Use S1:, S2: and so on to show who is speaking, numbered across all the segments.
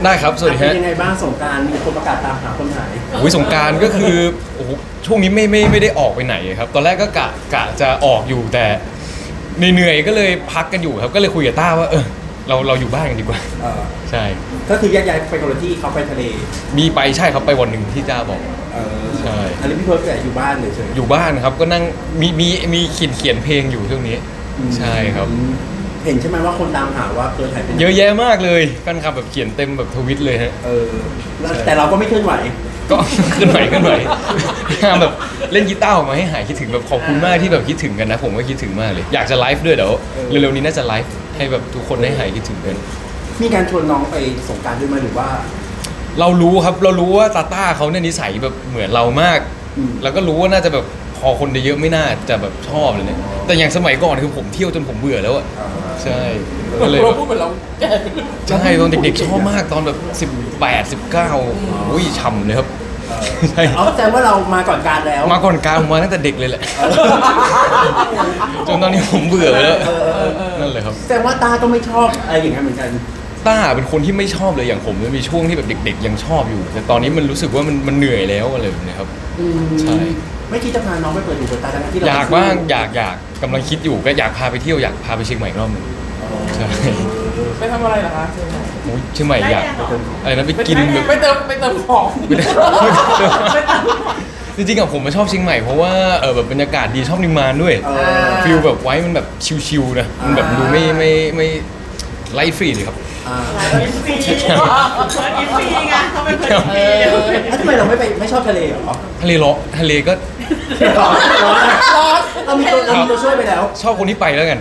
S1: ได้ครับสวัสดีฮะ
S2: เป็นยังไงบ้างสงกรานต์มีคนประกาศตามหาคนหาย
S1: สงกรานต์ก็คือโอ้โหช่วงนี้ไม่ได้ออกไปไหนครับตอนแรกก็กะจะออกอยู่แต่เหนื่อยๆก็เลยพักกันอยู่ครับก็เลยคุยกับต้าว่าเราอยู่บ้านกันดีกว่าใช่
S2: ก็คือแยกย้ายไปคนละที่เขาไปทะเล
S1: มีไปใช่ครับไปวันหนึ่งที่จ้าบอกใช่
S2: อันนี้พี่เพิร์ดแต่อยู่บ้านเฉย
S1: อยู่บ้านครับก็นั่งมีเขียนเพลงอยู่ช่วงนี้ใช่ครับ
S2: เห็นใช่ไหมว่าคนตามหาว่าเพิร์ดหายไป
S1: เยอะแยะมากเลยแฟนคลับแบบเขียนเต็มแบบทวิตเลยฮะ
S2: แต่เราก็ไม่เคลื่อนไหว
S1: ก็ขึ้นไหวพยายามแบบเล่นกีตาร์ออกมาให้หายคิดถึงแบบขอบคุณมากที่แบบคิดถึงกันนะผมก็คิดถึงมากเลยอยากจะไลฟ์ด้วยเดี๋ยวเร็วๆนี้น่าจะไลฟ์ให้แบบทุกคนได้หายคิดถึงกัน
S2: มีการชวนน้องไปสงกรานต์ด้วยไหมหรือว่า
S1: เรารู้ครับเรารู้ว่าตาต้าเขาเนี่ยนิสัยแบบเหมือนเรามากแล้วก็รู้ว่าน่าจะแบบพอคนเยอะไม่น่าจะแบบชอบเลยเนี่ยแต่อย่างสมัยก่อนคือผมเที่ยวจนผมเบื่อแล้วอะใช่ก็เลย
S3: เราพูดเหมือนเรา
S1: ใช่ตอนเด็กๆชอบมากตอนแบบ18 19อุ้ยฉ่ำเลยครับ
S2: ใช่แสดงว่าเรามาก่อนการแล้ว
S1: มาก่อนการมาตั้งแต่เด็กเลยแหละจนตอนนี้ผมเบื่อแล้วนั่นเลยครับ
S2: แสดงว่าตาก็ไม่ชอบอะไรอย่างนั้นเหมือนกัน
S1: ต้าเป็นคนที่ไม่ชอบเลยอย่างผมมันมีช่วงที่แบบเด็กๆยังชอบอยู่แต่ตอนนี้มันรู้สึกว่ามันเหนื่อยแล้วอะไรแบบนี้ครับใช่
S2: ไม่คิดจะพาน้องไปเปิดหูเปิดตาที่เรา
S1: อยากบ้างอยากกำลังคิดอยู่ก็อยากพาไปเที่ยวอยากพาไปเชียงใหม่รอบนึงใช่
S3: ไปทำอะไรเหรอคะเชียงใหม่
S1: เชียงใหม่อยากอะไรนะไปกิน
S3: ไปเติมของ
S1: จริงๆอะผมมาชอบเชียงใหม่เพราะว่าแบบบรรยากาศดีชอบนิมมานด้วยฟิลแบบไว้มันแบบชิลๆนะมันแบบดูไม่ไลฟ์ฟรีเลยครับ
S4: อินฟรีไงเขาเป็นคนอินฟรี
S2: แล้วทำไมเราไม่ชอบทะเลหรอ
S1: ทะเลร้อนทะเลก็
S2: เรามีตัวช่วยไปแล้ว
S1: ชอบคนที่ไปแล้วกัน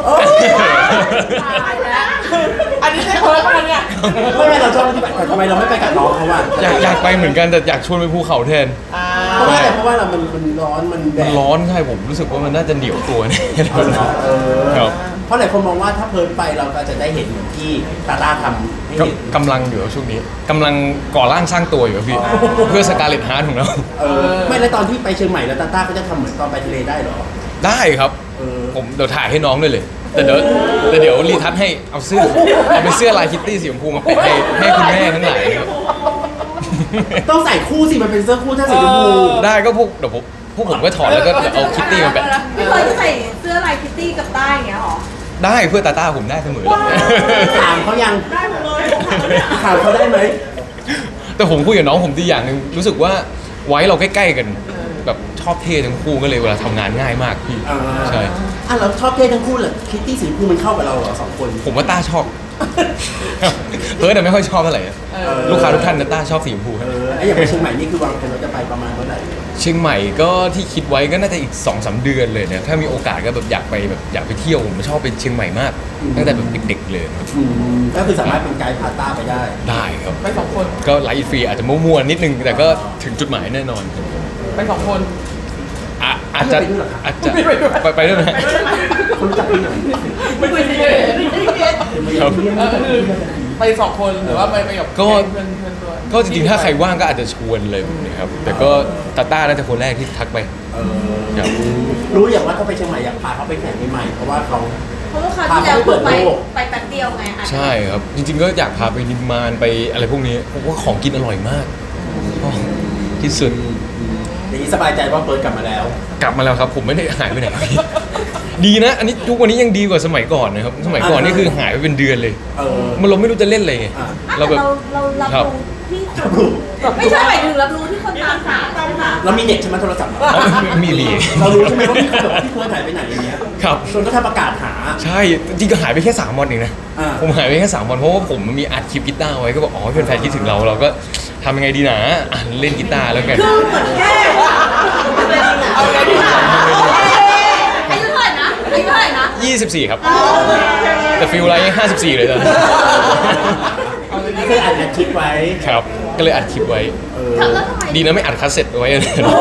S3: อันนี้ใช่เพิร์ดป่ะเนี่ย
S2: ไม่เราชอบที่ไปทำไมเราไม่ไปกับน้องเขาว่า
S1: อยากไปเหมือนกันแต่อยากชวนไปภูเขาแทน
S2: เพราะว่าเรามันร้อนมันแดด
S1: ร้อนใช่ผมรู้สึกว่ามันน่าจะเหนียวตัวเนี่ยครับ
S2: เพราะหลายคนมองว่าถ้าเพิร์ดไปเราก็จะได้เห็นเหมือนที่ตาทำให้เห็น
S1: กำลังอยู่ช่วงนี้กำลังก่อร่างสร้างตัวอยู่พี่เพื่อสกาเลตฮาร์ทของเรา
S2: ไม่แล้วตอนที่ไปเชียงใหม่แล้วตาก็จะทำเหมือนตอนไปทะเลได้หรอ
S1: ได้ครับผมเดี๋ยวถ่ายให้น้องด้วยเลยแต่เดี๋ยวรีทัชให้เอาเป็นเสื้อลายคิตตี้สีชมพูมาแปะให้คุณแม่ทั้งหลาย
S2: ต้องใส่คู่สิมันเป็นเสื้อคู่ถ้าสีชมพู
S1: ได้ก็เดี๋ยวพวกผมก็ถอดแล้วก็เอาคิตตี้มาแปะ
S4: พี่เคยจะใส่เสื้อลายคิตตี้กับใต้อย่างเงี้ยหรอ
S1: ได้เพื่อตาต้าผมได้เสมอ
S2: ถามเขายัง
S4: ได้หมดเลย
S2: ถามเขาได้ไหม
S1: แต่ผมคุยกับน้องผมดีอย่างนึงรู้สึกว่าไว้เราใกล้ๆกันแบบชอบเท่ทั้งคู่ก็เลยเวลาทำงานง่ายมากพี่ใช่
S2: เราชอบเท่ทั้งคู่เหรอคิตตี้สีชมพูมันเข้ากับเราเหรอ2 คน
S1: ผมว่าต้าชอบแต่ไม่ค่อยชอบเท่าไหร่ลูกค้าทุกท่านนะต้าชอบสีชมพู
S2: อย่างไปเชียงใหม่นี่คือวางแผนว่าจะไปประมาณเท่าไหร่
S1: เชียงใหม่ก็ที่คิดไว้ก็น่าจะอีก 2-3 เดือนเลยนะถ้ามีโอกาสก็แบบอยากไปเที่ยวผมชอบไปเชียงใหม่มากตั้งแต่แบบเด็กๆเลย
S2: ก็คือสามารถเป็นไกด์พาต้าไป
S1: ได้ครับ
S3: ไป2 คน
S1: ก็ไลฟ์ฟรีอาจจะมั่วๆนิดนึงแต่ก็ถึงจุดหมายแน่นอน
S3: ไป2 คน
S1: อาจจะไปด้วยนะ
S2: คนจับไปไหน
S3: ไม่คุยเลยไป2 คนหรือว่าไปกับ
S1: ก็จริงๆถ้าใครว่างก็อาจจะชวนเลยนะครับแต่ก็ตาต้าน่าจะคนแรกที่ทักไป
S2: รู้อย่างว่าเขาไปเชียงใหม่อยากพาเขาไปแข่งใหม่เพราะว่าเขา
S4: ที่แล้วไปแป๊บเดียวไง
S1: ใช่ครับจริงๆก็อยากพาไปนิมมานไปอะไรพวกนี้เพราะว่าของกินอร่อยมากที่สุด
S2: อย่างนี้สบายใจว่าเปิดกลับมาแล้ว
S1: ครับผมไม่ได้หายไปไหนดีนะอันนี้ทุกวันนี้ยังดีกว่าสมัยก่อนนะครับสมัยก่อนนี่คือหายไปเป็นเดือนเลยมันเราไม่รู้จะเล่นอะไรไง
S4: เราแบบเรารับรู้ที่ไม่ใช่หมายถึงรับรู้ที่คนตามหา
S2: เรามีเน็ตใช่ไหมโทรศัพท์
S1: มี
S2: เรารู้ใช่ไหมว่าพี่เพิร์ดหายไปไหนอย่างเงี้ย
S1: ครับ
S2: จนก็ทำประกาศหา
S1: ใช่จริงก็หายไปแค่3 วันเองนะผมหายไปแค่3 วันเพราะว่าผมมีอัดคลิปกีตาร์ไว้ก็บอกแฟนๆคิดถึงเราก็ทำยังไงดีนะเล่นกีตาร์แล้วกัน
S4: คือเหมือนแค่เอาไงดีนะอายุเท่าไหร่นะ
S1: 24ครับแต่ฟิลไลท์54เลยตอน
S2: นี้คืออัดคลิปไว้
S1: ครับก็เลยอัดคลิปไว้ดีนะไม่อัดคัสเซ็ตไว้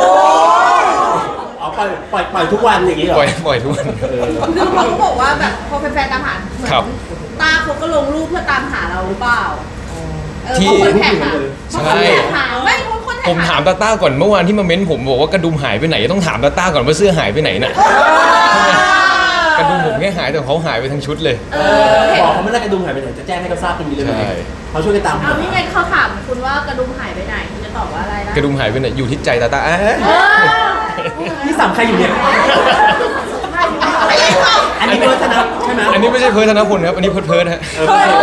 S2: ปล่อยทุกวันอย่างนี้เหรอ
S1: ปล่อยทุกวัน
S4: คือเขาบอกว่าแบบพอแฟนๆตามหาเหมือนตาเขาก็ลงรูปเพื่อตามหาเราหรือเปล่า
S1: ที่
S4: คนแท็ก
S1: ใช่
S4: ไม่
S1: ผมถามตาต้าก่อนเมื่อวานที่มาเม้นผมบอกว่ากระดุมหายไปไหนต้องถามตาต้าก่อนว่าเสื้อหายไปไหนน่ะกระดุมผมแค่หายแต่เขาหายไปทั้งชุดเลย
S2: บอกเขาไม่ได้กระดุมหายไปไหนจะแจ้งให้เขาทราบตรงนี้เลยไหม
S1: ใช่
S2: เขาช่วยกันตาม
S4: เอานี่ไงเขาถามคุณว่ากระดุมหายไปไหนคุณจะตอบว่าอะไรนะ
S1: กระดุมหายไปไหนอยู่ที่ใจตาตา
S2: ที่สำคัญอยู่เนี่ย
S4: ไม่ได้ตอบ
S2: อันนี้เพิร์ธนะใช่ไหม
S1: อันนี้ไม่ใช่เพิร์ธนพลครับอันนี้เพิร์ธฮะ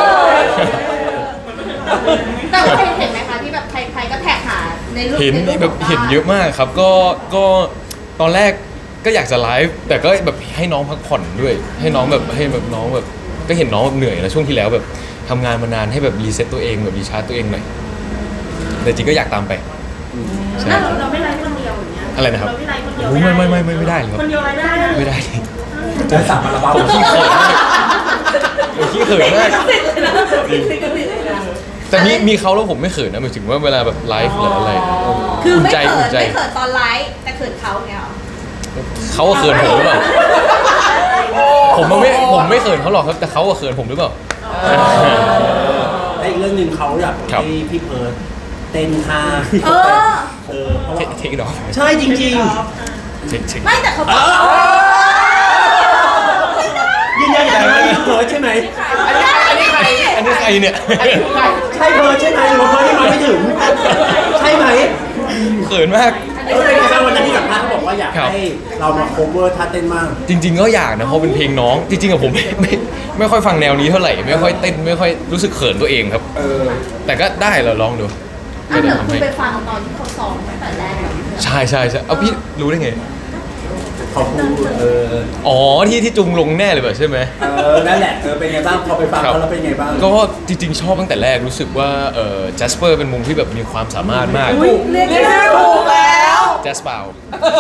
S4: แต่ว่าเห็นไหมคะที่แบบใครๆก็แท็กหาในรูป
S1: เห็น
S4: ในรูป
S1: แบบเห็นเยอะมากครับก็ตอนแรกก็อยากจะไลฟ์แต่ก็แบบให้น้องพักผ่อนด้วย ให้น้องแบบน้องแบบก็เห็นน้องแบบเหนื่อยนะช่วงที่แล้วแบบทำงานมานานให้แบบรีเซ็ตตัวเองแบบรีชาร์จตัวเองหน่อยแต่จริงก็อยากตามไปใช่
S4: เราไม่ไลฟ์คนเดียวอย่างเงี้ย
S1: อะไรนะครับ
S4: เราไม่ไลฟ์คนเดียว
S1: โอ้ไม่ได้เลยครับ
S4: คนเดียวไลฟ์ได้เลย
S1: ไม่ได้เลย
S2: จะสั่งมาระบาด
S1: ผมขี้เขินมากผมขี้เขินมากแต่มีเขาแล้วผมไม่เขินนะหมายถึงว่าเวลาแบบไลฟ์หรืออะไร
S4: คือ
S1: อุ่น
S4: ไม่
S1: ใจ
S4: เขิ
S1: อุ่
S4: น
S1: นใจ
S4: ไม่เขินตอนไลฟ์แต่เขินเขาเงี้ยหรอ
S1: เขาก็เขินผมหรือเปล่าผมไม่เขินเขาหรอกครับแต่เขาก็เขินผมหรือเปล่า
S2: และอีกเรื่องหนึ่งเขาอยาก
S1: ครับ
S2: ให้พี่เพิร์ธเต้นท่า
S4: เออ
S2: เพราะว่า
S1: เทคดอก
S2: ใช่จริง
S1: เช็ค
S4: ไม่แต่เขาบอก
S2: ๆยืนยันอีกครั้งว่าพี่เพิร์ธใช่ไหม
S3: อันนี้ใคร
S1: อันนี้ใครเนี่ย
S3: อันนี้ใคร
S2: ใช่เพิร์ธใช่ไหมหรือว่าเพิร์ธยังมาไม่ถึง ใช่ไหม
S1: เขินมาก
S2: เป็นไงบ้างวันนั้นที่สัมภาษณ์เขาบอกว่าอยาก
S1: ครับ
S2: ให้เรามา cover ท่าเต้นมั่ง
S1: จริง ๆ ก็อยากนะเพราะเป็นเพลงน้อง จริงๆอะผมไม่ค่อยฟังแนวนี้เท่าไหร่ไม่ค่อยเต้นไม่ค่อยรู้สึกเขินตัวเองครับ แต่ก็ได้เราลองดู
S4: อัน
S1: ก็
S4: เดี๋
S1: ได้
S4: ยว
S1: ทำ
S4: คุณ
S1: ให้
S4: ไปฟังตอนที่เขาซ้อมตั้งแต่แรกแบบ
S1: ใช่เอาพี่รู้ได้ไง
S2: เขาพูด
S1: อ๋อที่จุงลงแน่เลยแบบใช่ไหม
S2: นั่นแหละเป็นไงบ้างพอไปฟังเขาแล้วเป็นไงบ้าง
S1: ก็จริงๆชอบตั้งแต่แรกรู้สึกว่าแจสเปอร์เป็นมุมที่แบบมีความสามารถมาก
S4: เรียก
S3: ชื่อถูกแล้ว
S1: แจสเปา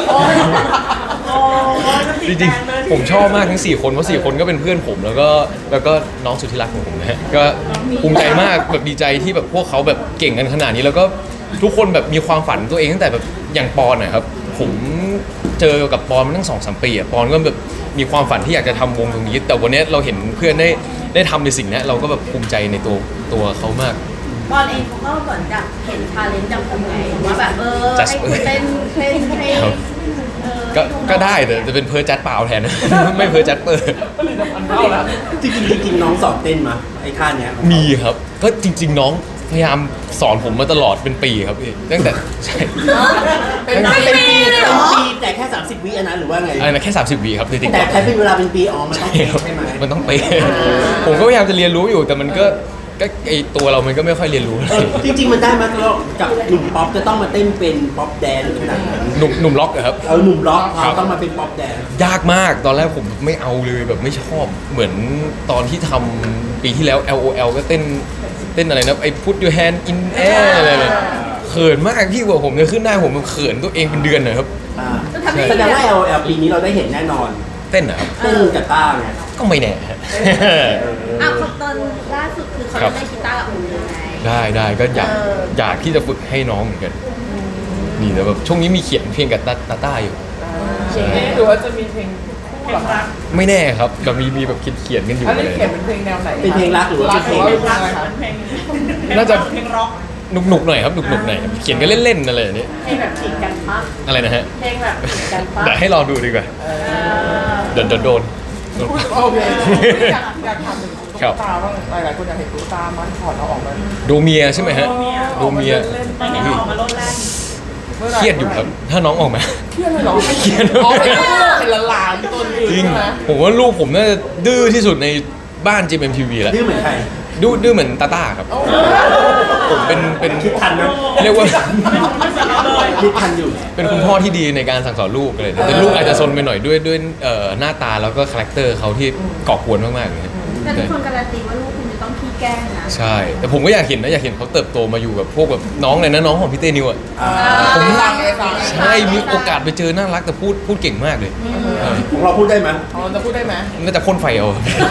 S1: จริงๆผมชอบมากทั้ง4คนเพราะ4คนก็เป็นเพื่อนผมแล้วก็น้องสุดที่รักของผมนะฮะก็ภูมิใจมากแบบดีใจที่แบบพวกเขาแบบเก่งกันขนาดนี้แล้วก็ทุกคนแบบมีความฝันตัวเองตั้งแต่แบบอย่างปอนนะครับผมเจอกับปอนมาตั้ง2-3 ปีอะปอนก็แบบมีความฝันที่อยากจะทำวงตรงนี้ แต่วันนี้เราเห็นเพื่อนได้ทำในสิ่งนี้เราก็แบบภูมิใจในตัวเขามาก
S4: บอลเองเขาก็เหมือนกับเห็นทาเลนต์จากคุณไงว่าแบบให้คุณเต้นให้
S1: ครับ ก็ได้แต่จะเป็นเพิร์จัดเปล่าแทน ไม่เพิร์จัดเปอร์
S2: จริงๆน้องสอนเต้นมาไอ้ท่าเนี้ย
S1: มีครับก็จริง ๆ น้องพยายามสอนผมมาตลอดเป็นปีครับพี่ตั้งแต่ใช่
S2: เป็นปีแต่แค่30 วิอันนั้นหรือว่าไง
S1: อะไรนะแค่30 วิครับในติ๊ก
S2: แต่
S1: ต็อก
S2: ใช้เป็นเวลาเป็นปีอ๋อมันต้องเป๊ะใช่ไหม
S1: มันต้องเป๊ะผมก็พยายามจะเรียนรู้อยู่แต่มันก็ไอตัวเรามันก็ไม่ค่อยเรียนรู้
S2: จริงๆมันได้ไหมแล้วกับหนุ่มป๊อปจะต้องมาเต้นเป็นป๊อปแดนขนาดนั้น
S1: หนุ่มล็อกอะครับ
S2: หนุ่มร็อกเขาต้องมาเป็นป๊อปแดน
S1: ยากมากตอนแรกผมไม่เอาเลยแบบไม่ชอบเหมือนตอนที่ทำปีที่แล้ว LOL ก็เต้นอะไรนะไอ้ put your hand in air อะไรเนี่ยเขินมากพี่กว่าผมจะขึ้นได้ผมเขินตัวเองเป็นเดือนนะครับ
S2: แสดงว่า LL ปีนี้เราได้เห็นแน่นอน
S1: เต้นนะครับ
S2: เต้นกับต้าไง
S1: ก็ไม่แน่ฮะ
S4: เขาตอนล่าสุดคือเขาได้กีตาร์กับคุณยังไง
S1: ได้ก็อยากที่จะฝึกให้น้องเหมือนกันนี่แต่แบบช่วงนี้มีเขียนเพลงกับตาต้าอยู่ใช่
S3: หรือว่าจะมีเพลงคู่เหรอคะ
S1: ไม่แน่ครับแบบมีแบบเขียนกันอยู่
S3: อัน
S1: อะ
S3: นี้
S1: ไร
S3: เขียนเป็นเพลงแนวไหน
S2: เป็นเพลงรักหรือว่าเป็นเพลง
S3: อะไรคะ
S1: น่าจะหนุกหน่อยครับหนุกหน่อยเขียนกันเล่นๆอะไรอย่างนี้
S4: เพลงแบบฉีกกันปะ
S1: อะไรนะฮะ
S4: เพลงแบบฉีกกันปะ
S1: เดี๋ยวให้รอดูดีกว่าโดน
S3: โอเคอยากถามถึงตุ๊ก
S1: ครับ
S3: ตาบ้างหลายๆคนอยากเห็นตุ๊กตามันถอดเอาออกมา
S1: โดเมียใช่ไหมฮะโดเมีย
S3: ตอนนี้ออกมาลดแรง
S1: เครียดอยู่ครับถ้าน้องออกมา
S3: เครียดเลยเหรอ
S1: เครียด
S3: อ๋อเป็นหลานๆตัวอื่น
S1: จริง
S3: ใช่ไหม
S1: ผมว่าลูกผมน่าจะดื้อที่สุดในบ้าน JMTV แหละ
S2: ดื้อเหมือนใคร
S1: ดื้อเหมือนตาต้าครับผมเป็น
S2: คิดทันนะ
S1: เรียกว่า
S2: คิดทันอยู่
S1: เป็นคุณพ่อที่ดีในการสั่งสอนลูกเลยแต่ลูกอาจจะซนไปหน่อยด้วยหน้าตาแล้วก็คาแรคเตอร์เขาที่ก่อกวนมากๆเลย
S4: แต่ทุกคนการันตีว่าลูกคุณจะต้องขี้แกล้งนะ
S1: ใช่ แต่ผมก็อยากเห็นเขาเติบโตมาอยู่กับพวกแบบน้องเลยนะน้องของพี่เต้นิวอ่ะ
S3: ผมฟังเลยฟัง
S1: ใช่มีโอกาสไปเจอน่ารักแต่พูดเก่งมากเลย
S2: ของเราพูดได้ไหม
S3: เราจะพูดได้ไหม
S1: น่าจะพ่นไฟเอา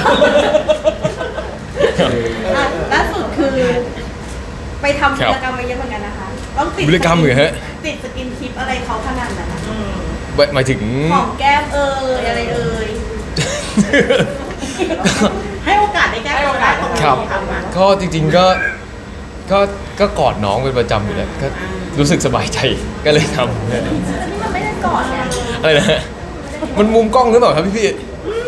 S4: ล่าสุดคือ ไปทำกิจกรรมมาเยอะเหมือนกันนะคะต้องติด
S1: วิรกรรมเหรอฮะ
S4: ติดสกินทิปอะไรเขาขนาดนั้นนะคะ
S1: หมายถึง
S4: ของแก้มอะไรให้โอกาสได้แก้โอกาส
S1: ครับ ก็จริงๆก็กอดน้องเป็นประจำอยู่แล้วก็รู้สึกสบายใจก็เลยทำ
S4: แต่นี่มันไม่ได้กอดเนี่ย
S1: อะไรนะฮะมันมุมกล้องหรือเปล่าครับพี่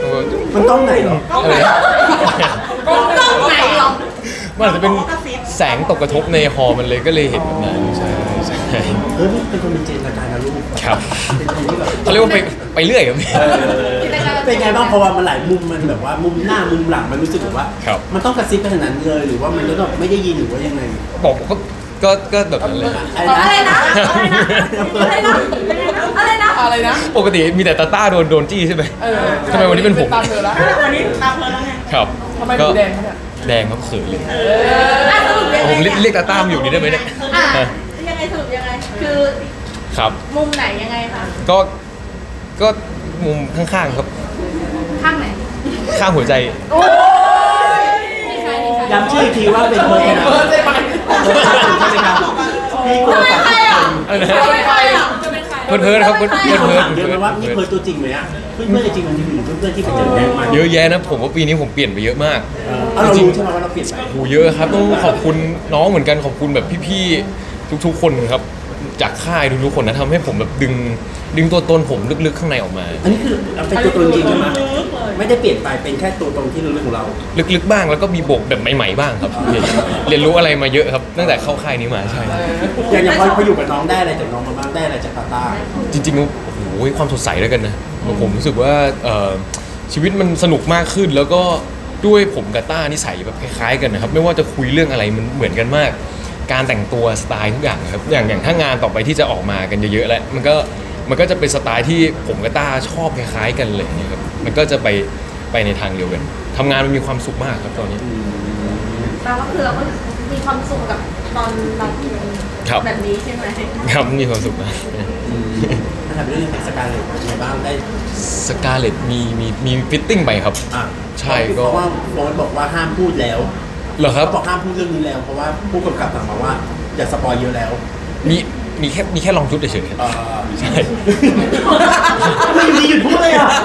S2: มันต้องไหนเหรอ
S1: อะไรนะ
S4: กล้องไหนหรอ
S1: มันอาจจะเป็นแสงตกกระทบในฮอลล์มันเลยก็เลยเห็นแบบนั้นใช่ใช่
S2: เฮ้ยเป็นคนมีจินตนาการนะลูก
S1: ครับ
S2: เป็นคนที่แบบ
S1: เขาเรียกว่าไปเรื่อยครับ
S2: เป็นไงบ้างเพราะว่ามันหลายมุมมันแบบว่ามุมหน้ามุมหลังมันรู้สึกแบบว่า
S1: ครับ
S2: มันต้องกระซิบขนาดนั้นเลยหรือว่ามันก็แบบไม่ได้ยินหรือว่ายังไง
S1: บอกก็แบบนั้นเลย
S4: อะไรนะ อะไรนะ อะไรนะ
S3: อะไรนะ
S1: ปกติมีแต่ตาต้าโดนจี้ใช่ไหม
S3: เออ
S1: ทำไมวันนี้เป็นผม
S3: ตามเธอแล้ว
S4: วันนี้ตามเธอแล้วไง
S1: ครับ
S3: ทำไมดูแดงเขาเนี่ย
S1: แดงครับเขินเลย
S4: สรุปยังไง
S1: ผมเรียกตาต้ามาอยู่นี่ได้ไหมเนี่ย
S4: อ่ะยังไงสรุปยังไง คือ
S1: ครับ
S4: มุมไหนยังไงคะ
S1: ก็มุมข้างๆครับ
S4: ข้างไหน
S1: ข้างหัวใจ
S4: ไม่ใช่ไม่ใช่
S2: ย้ำชื่ออีกทีว่าเป็นคนนะ
S3: เออใช่ไหม
S2: ใช่ไหมครับพี่กลัว
S4: จะเป็นใครอ่ะ
S1: อะไรนะ
S4: จะเป็นใครอ่ะจะเป็นใคร
S1: เพื่อนๆครับเพื่อน
S2: พี่คนถาม
S1: ๆ
S2: เยอะไหมว่านี่เพิร์ตัวจริงไหมอ่ะเพื่อนๆจริงมันมีเพื่อนๆที่ไปเจอแดงมา
S1: เยอะแยะนะผมว่าปีนี้ผมเปลี่ยนไปเยอะมาก
S2: เอาเรารู้ใช่ไหมว่าเราเปลี่ยนไป
S1: โหเยอะครับต้องขอบคุณน้องเหมือนกันขอบคุณแบบพี่ๆทุกๆคนครับจากค่ายทุกๆคนนะทำให้ผมแบบดึงตัวตนผมลึกๆข้างในออกมา
S2: อันนี้คือเราเป็นตัวตนจริงใช่ไหมไม่ได้เปลี่ยนไปเป็นแค่ตัวตนที่ลึกๆของเรา
S1: ลึกๆบ้างแล้วก็มีบวกแบบใหม่ๆบ้างครับเรียนรู้อะไรมาเยอะครับตั้งแต่เข้าค่ายนี้มาใช่
S2: อย่างพออยู่กับน้องได้อะไรจากน้องมาบ้างได้อะไรจากตาตา
S1: จริงๆโอ้โหความสดใสด้วยกันนะผมรู้สึกว่าชีวิตมันสนุกมากขึ้น แล้วก็ด้วยผมกับต้านิสัยแบบคล้ายๆกันนะครับไม่ว่าจะคุยเรื่องอะไรมันเหมือนกันมาก การแต่งตัวสไตล์ทุกอย่างครับอย่างถ้างานต่อไปที่จะออกมากันเยอะๆแล้วมันก็จะเป็นสไตล์ที่ผมกับต้าชอบคล้ายๆกันเลยนะครับมันก็จะไปในทางเดียวกันทำงานมันมีความสุขมากครับตอนนี้
S4: แปลว่าคือเราก็มีความสุขกับตอนเรา
S1: ครับ
S4: แบบนี้ใช่ไหม
S1: ครับมีความสุขนะ
S2: ถามเรื่องสการเลยเป็นไงบ้างได้
S1: สกาเลตมีฟิตติ้งไปครับ
S2: อ่ะ
S1: ใช่ก็
S2: เพราะว่าโฟนบอกว่าห้ามพูดแล้ว
S1: เหรอครับ
S2: เขาบอกห้ามพูดเรื่องนี้แล้ว เพราะว่าผู้กำกับสั่งมาว่าอย่าสปอยเยอะแล้ว
S1: มีแค่ลองชุดเฉยๆครับ ใช่
S2: ไม่อยู่ดีหยุดพูดเลยอ่ะ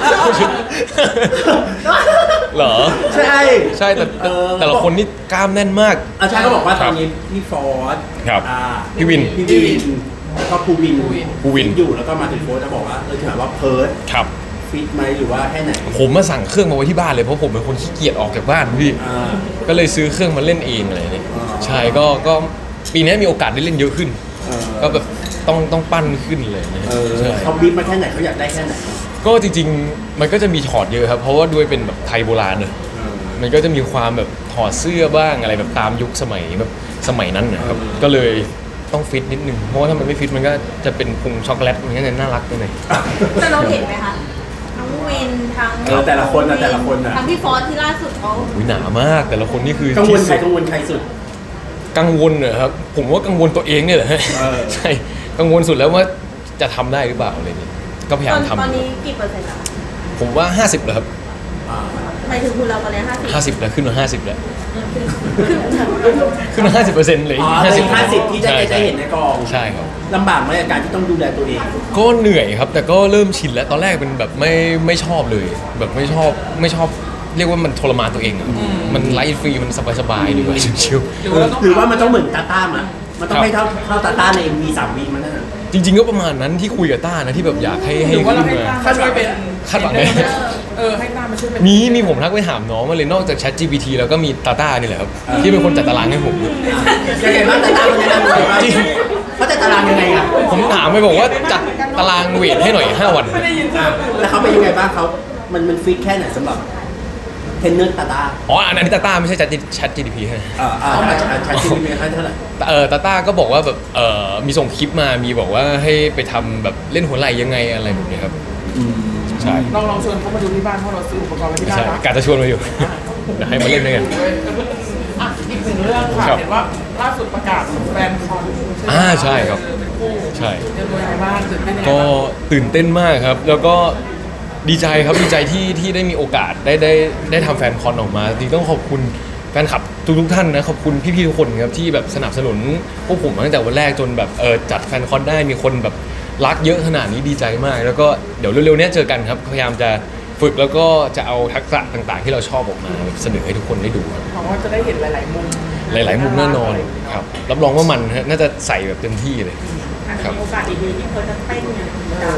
S1: เหรอ
S2: ใช่
S1: ใช่แต่ละคนนี่กล้ามแน่นมาก
S2: อาจารย์ก็บอกว่าตอนนี้พี่ฟอร์ด
S1: ครับ
S2: อ่า
S1: พี่วิน
S2: แล้วก็ภูวิน
S1: ภูวิน
S2: อยู่แล้วก็มาถึงโฟร์ดจะบอกว่าถามว่าเพิร์ด
S1: ครับ
S2: ฟิตไหมหรือว่าแค่ไหน
S1: ผมมาสั่งเครื่องมาไว้ที่บ้านเลยเพราะผมเป็นคนขี้เกียจออกจากบ้านพี่
S2: อ่า
S1: ก็เลยซื้อเครื่องมาเล่นเองอะไรเนี่ย
S2: อ๋อ
S1: ใช่ก็ปีนี้มีโอกาสได้เล่นเยอะขึ้น
S2: เออ
S1: ก็แบบต้องปั้นขึ้นเลยนะ ใช่
S2: เขาบีบมาแค่ไหนเขาอยากได้แค่ไหน
S1: ก็จริงๆมันก็จะมีถอดเยอะครับ เพราะว่าด้วยเป็นแบบไทยโบราณเนอะมันก็จะมีความแบบถอดเสื้อบ้างอะไรแบบตามยุคสมัยแบบสมัยนั้นนะครับ ก็เลยต้องฟิตนิดนึง เพราะว่าถ้ามันไม่ฟิตมันก็จะเป็นพุงช็อกโกแลตมันก็จะน่ารักไปหน่อย
S4: แต่เราเห็นไหมคะ ทั้งวินทั้ง
S2: แต่ละคนนะแต่ละคนนะ
S4: ทั้งพี่ฟอสที่ล่าสุดเขา
S1: อุ๊ยหนามากแต่ละคนนี่คือ
S2: กังวล
S1: ที่
S2: ใคร
S1: สุด
S2: กังวลใครสุด
S1: กังวลเหรอครับ ผมว่ากังวลตัวเองเนี่ยแหละ ใช่กังวลสุดแล้วว่าจะทำได้หรือเปล่าอะไรอย่างเงี้ยก็พยายามทำ
S4: ตอนนี้กี่เปอร์เซ็นต์แล้วคะ
S1: ผมว่า 50แล้วครับ
S4: หมายถึงคุณเราตอนนี้50
S1: 50แล้วขึ้นมา50แล้ว
S4: คือ
S1: ขึ้นมา50%เลย
S2: อ๋อ
S1: 50
S2: เป็น50ที่จะได้เห็นในกอง
S1: ใช่ครับ
S2: ลำบากไหมกับการที่ต้องดูแลตัวเอง
S1: ก็เหนื่อยครับ แต่ก็เริ่มชินแล้วตอนแรกเป็นแบบไม่ชอบเลย แบบไม่ชอบเรียกว่ามันทรมานตัวเองอะมันไลฟ์ฟรีมันสบายๆดีกว่าชิว
S2: หรือว่ามันต้องเหมือนตาต้ามามันต้องให้เท่าตาต้าใน V3 V มันนั่นน่ะ
S1: ๆจริง ๆ ก็ประมาณนั้นที่คุยกับต้านะที่แบบอยากให้
S3: หรือว่า
S1: ขึ้
S3: เรา
S1: น
S3: ให้
S1: มา
S3: ตามมาช่วยเป็น
S1: คาดหวังไหม
S3: ให้ตามมาช่วยเป็น
S1: มีผมทักไปถามน้องมาเลยนอกจาก Chat GPT แล้วก็มีตาต้านี่แหละครับที่เป็นคนจัดตารางให้ผม
S2: ยังไงบ้างตาต้ามันจะทำยังไงบ้าง
S1: จริง
S2: เขาจะตารางยังไงอ่ะ
S1: ผมถามไปบอกว่าจัดตารางเวทให้หน่อย5 วัน
S2: แล้วเขาเป็นยังไงบ้างเขามันฟิตแค่ไหนสำหรับเทรนเนอร์ตาต้า
S1: อ๋ออันนี้ตาต้าไม่ใช่ Chat GPT ใช่ไหม
S2: ใช้ชีวิตเป็นเท่าไหร่
S1: ตาต้าก็บอกว่าแบบมีส่งคลิปมามีบอกว่าให้ไปทำแบบเล่นหัวไหล่ยังไงอะไรแบบนี้ครับใช่
S3: ลองชวนเขามาดูที่บ้านเพราะเราซื้ออุปกรณ์ไว้ที่บ้าน
S1: ใช่
S3: นะ
S1: กาจะชวนมาอยู่ เดี๋ยวให้มาเล่นด้วยกัน
S3: อ่ะอีกหนึ่งเรื่องค่ะ
S1: ครับ
S3: เห็นว่าล่าสุดประกาศแฟนคอน
S1: ใช่ครับ
S3: เป็นคู่
S1: ใช่
S3: เตรียมตัวยังไงบ้างตื่นเต้นยังไง
S1: ก็
S3: บ้าง
S1: ตื่นเต้นมากครับ แล้วก็ดีใจครับดีใจที่ได้มีโอกาสได้ทำแฟนคอนออกมาจริงๆต้องขอบคุณแฟนคลับทุกท่านนะขอบคุณพี่ๆทุกคนครับที่แบบสนับสนุนพวกผมตั้งแต่วันแรกจนแบบจัดแฟนคอนได้มีคนแบบรักเยอะขนาดนี้ดีใจมาก แล้วก็เดี๋ยวเร็วๆเนี้ยเจอกันครับพยายามจะฝึกแล้วก็จะเอาทักษะต่างๆ ที่เราชอบออกมาแบบเสนอให้ทุกคนได้ดูครับ
S3: หวังว่าจะได้เห็นหลายๆมุม
S1: หลาย ๆ มุมแน่นอนครับรับรองว่ามันฮะน่าจะใส่แบบเต็มที่เลย
S4: อาจจะมีโอกาสดีๆที่เพิร์ทจะเต้นอย่างนี้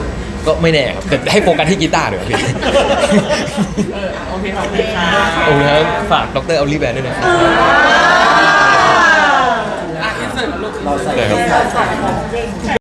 S1: ก็ไม่แน่ครับแต่ให้โฟกัสที่กีตาร์เดี๋ยวาพี่
S3: โอเคขอบคุณค่ะ
S1: โอ้โหฝากดรออลลี่แบนด์ด้วยนะครับ
S3: อินเสิร์ตลูก
S2: เราใส่
S1: ได้ครับ
S2: ใส่